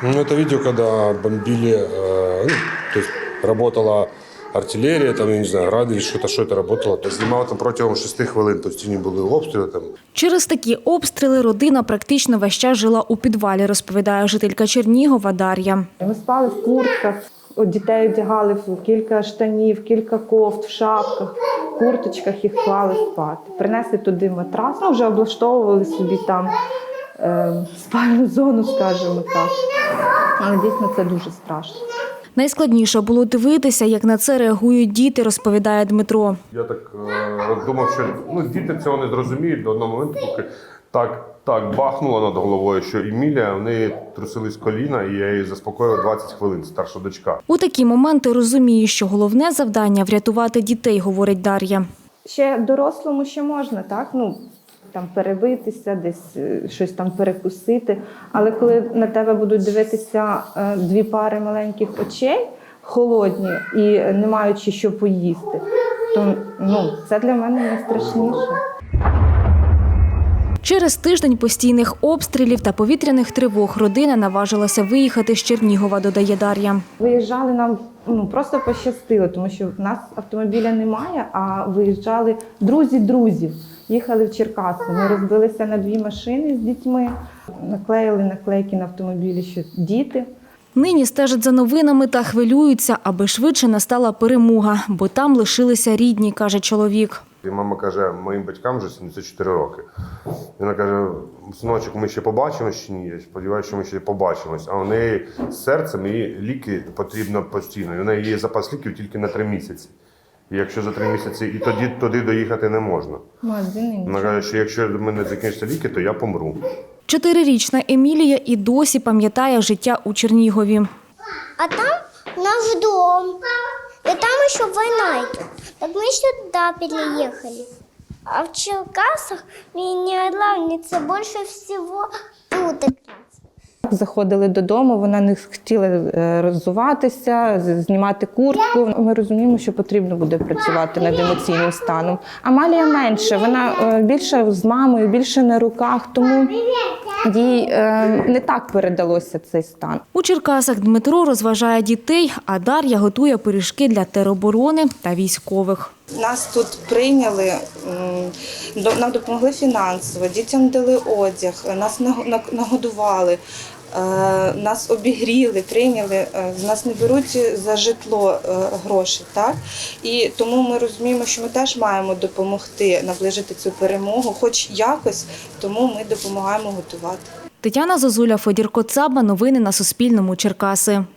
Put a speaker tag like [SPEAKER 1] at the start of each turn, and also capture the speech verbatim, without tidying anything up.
[SPEAKER 1] Ну, это видео, когда бомбили, э, ну, то есть работала артилерія, там, я не знаю, гради, що-то, що це працювало. То знімав там протягом шести хвилин, тобто не були обстріли там.
[SPEAKER 2] Через такі обстріли родина практично весь час жила у підвалі, розповідає жителька Чернігова Дар'я.
[SPEAKER 3] Ми спали в куртках, дітей одягали в кілька штанів, кілька кофт, в шапках, в курточках їх клали спати. Принесли туди матрас, ну вже облаштовували собі там е, спальну зону, скажімо так. Але дійсно це дуже страшно.
[SPEAKER 2] Найскладніше було дивитися, як на це реагують діти, розповідає Дмитро.
[SPEAKER 1] Я так е, думав, що ну, діти цього не зрозуміють до одного моменту, поки так, так бахнуло над головою, що Емілія, в неї трусились коліна, і я її заспокоїв двадцять хвилин, старша дочка.
[SPEAKER 2] У такі моменти розуміє, що головне завдання – врятувати дітей, говорить Дар'я.
[SPEAKER 3] Ще дорослому ще можна, так? Ну, там перебитися, десь е, щось там перекусити. Але коли на тебе будуть дивитися е, дві пари маленьких очей, холодні і не маючи що поїсти, то ну, це для мене найстрашніше.
[SPEAKER 2] Через тиждень постійних обстрілів та повітряних тривог родина наважилася виїхати з Чернігова, додає Дар'я.
[SPEAKER 3] Виїжджали нам ну, просто пощастило, тому що в нас автомобіля немає, а виїжджали друзі друзів. Їхали в Черкаси. Ми розбилися на дві машини з дітьми, наклеїли наклейки на автомобілі, що діти.
[SPEAKER 2] Нині стежать за новинами та хвилюються, аби швидше настала перемога, бо там лишилися рідні, каже чоловік.
[SPEAKER 1] І мама каже, моїм батькам вже сімдесят чотири роки. Вона каже, синочок, ми ще побачимось чи ні? Я сподіваюся, що ми ще побачимось. А у неї з серцем їй ліки потрібно постійно. І у неї є запас ліків тільки на три місяці. І якщо за три місяці, і тоді туди доїхати не можна. Вона каже, що якщо в мене закінчаться ліки, то я помру.
[SPEAKER 2] Чотирирічна Емілія і досі пам'ятає життя у Чернігові.
[SPEAKER 4] А там наш дом. И там еще война идет. Так мы сюда переехали. А в Черкасах меня главница больше всего тут.
[SPEAKER 3] Заходили додому, вона не хотіла роззуватися, знімати куртку. Ми розуміємо, що потрібно буде працювати над емоційним станом. Амалія менше, вона більше з мамою, більше на руках, тому їй не так передалося цей стан.
[SPEAKER 2] У Черкасах Дмитро розважає дітей, а Дар'я готує пиріжки для тероборони та військових.
[SPEAKER 3] Нас тут прийняли, нам допомогли фінансово, дітям дали одяг, нас нагодували, нас обігріли, прийняли, з нас не беруть за житло гроші. Так? І тому ми розуміємо, що ми теж маємо допомогти наближити цю перемогу, хоч якось, тому ми допомагаємо готувати.
[SPEAKER 2] Тетяна Зозуля, Федір Коцаба. Новини на Суспільному. Черкаси.